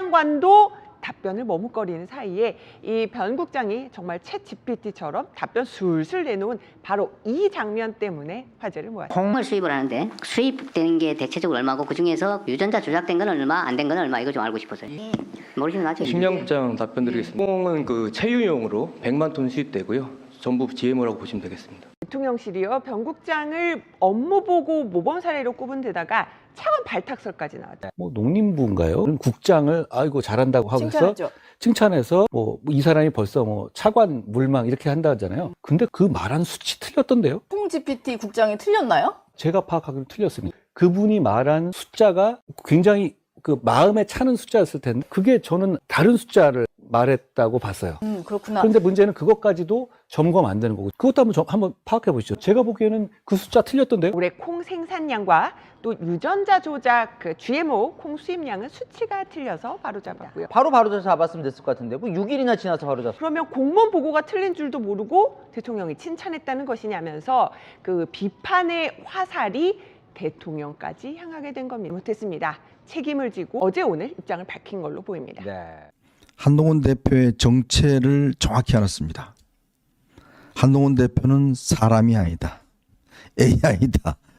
장관도 답변을 머뭇거리는 사이에 이 변 국장이 정말 챗 GPT처럼 답변 술술 내놓은 바로 이 장면 때문에 화제를 모았습니다. 콩을 수입을 하는데 수입되는 게 대체적으로 얼마고 그중에서 유전자 조작된 건 얼마, 안 된 건 얼마, 이거 좀 알고 싶어서요. 모르시면 나중에. 식량국장 답변드리겠습니다. 콩은 그 체유용으로 100만 톤 수입되고요. 전부 GMO라고 보시면 되겠습니다. 대통령실이요, 변 국장을 업무 보고 모범 사례로 꼽은 데다가 차관 발탁설까지 나왔다. 뭐 농림부인가요? 국장을 아이고 잘한다고 하고서 칭찬해서 뭐 이 사람이 벌써 뭐 차관 물망 이렇게 한다 하잖아요. 근데 그 말한 수치 틀렸던데요? 콩 GPT 국장이 틀렸나요? 제가 파악하기로 틀렸습니다. 그분이 말한 숫자가 굉장히 그 마음에 차는 숫자였을 텐데 그게 저는 다른 숫자를 말했다고 봤어요. 그렇구나. 그런데 문제는 그것까지도 점검 안 되는 거고 그것도 한번 파악해 보시죠. 제가 보기에는 그 숫자 틀렸던데요. 올해 콩 생산량과 또 유전자 조작 그 GMO 콩 수입량은 수치가 틀려서 바로잡았고요. 바로 잡았으면 됐을 것 같은데 뭐 6일이나 지나서 바로 잡았어요. 그러면 공무원 보고가 틀린 줄도 모르고 대통령이 칭찬했다는 것이냐면서 그 비판의 화살이 대통령까지 향하게 된 겁니다. 못했습니다. 책임을 지고 어제 오늘 입장을 밝힌 걸로 보입니다. 네. 한동훈 대표의 정체를 정확히 알았습니다. 한동훈 대표는 사람이 아니다. AI다.